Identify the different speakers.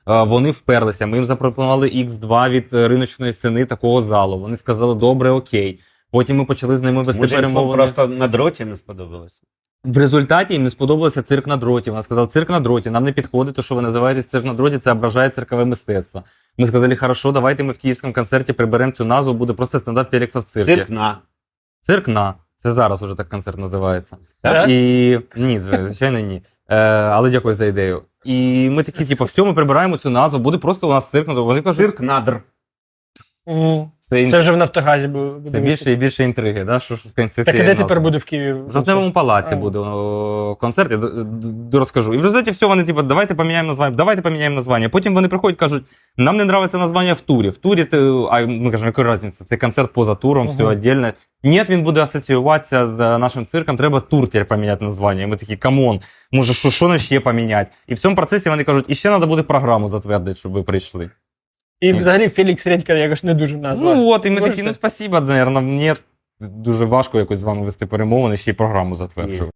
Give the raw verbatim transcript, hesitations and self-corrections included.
Speaker 1: Вони вперлися, ми їм запропонували ікс два від риночної ціни такого залу. Вони сказали, добре, окей. Потім ми почали з ними вести
Speaker 2: Може,
Speaker 1: перемовини.
Speaker 2: просто на дроті не сподобалося?
Speaker 1: В результаті їм не сподобався цирк на дроті. Вона сказала, цирк на дроті, нам не підходить, то, що ви називаєте цирк на дроті, це ображає циркове мистецтво. Ми сказали, хорошо, давайте ми в київському концерті приберемо цю назву, буде просто стендап Фелікса в циркі.
Speaker 2: Цирк на.
Speaker 1: Цирк на. Це зараз уже так концерт називається.
Speaker 2: Так?
Speaker 1: І ні, звичайно, ні. Е, але дякую за ідею. І ми такі, типу, все, ми прибираємо цю назву, буде просто у нас цирк на дроті. Вони кажуть,
Speaker 2: Цирк надр.
Speaker 3: Мгм.
Speaker 1: це,
Speaker 3: Це вже в Нафтогазі буде.
Speaker 1: це більше і більше інтриги, да? Що ж в кінці
Speaker 3: Так і
Speaker 1: цієї
Speaker 3: де тепер
Speaker 1: назви.
Speaker 3: буде в Києві?
Speaker 1: В Жовтневому палаці
Speaker 3: А.
Speaker 1: буде о, концерт, я д- д- розкажу. І в результаті все, вони типу, давайте поміняємо названня, давайте поміняємо названня. Потім вони приходять, кажуть, нам не подобається названня в турі. В турі, ти, а ми кажемо, яка різниця, це концерт поза туром, все
Speaker 3: Мгм.
Speaker 1: віддільно. Ні, він буде асоціюватися з нашим цирком, треба тур тепер поміняти названня. І ми такі, камон, може, що, що нам ще поміняти? І в цьому процесі вони кажуть, і ще треба буде програму затвердити, щоб ви прийшли.
Speaker 3: І взагалі Фелікс Редька якось не дуже назва.
Speaker 1: Ну от, і ми
Speaker 3: Можете?
Speaker 1: такі, ну спасибо, наверное, ні. Дуже важко якось з вами вести перемовини, ще й програму затверджувати.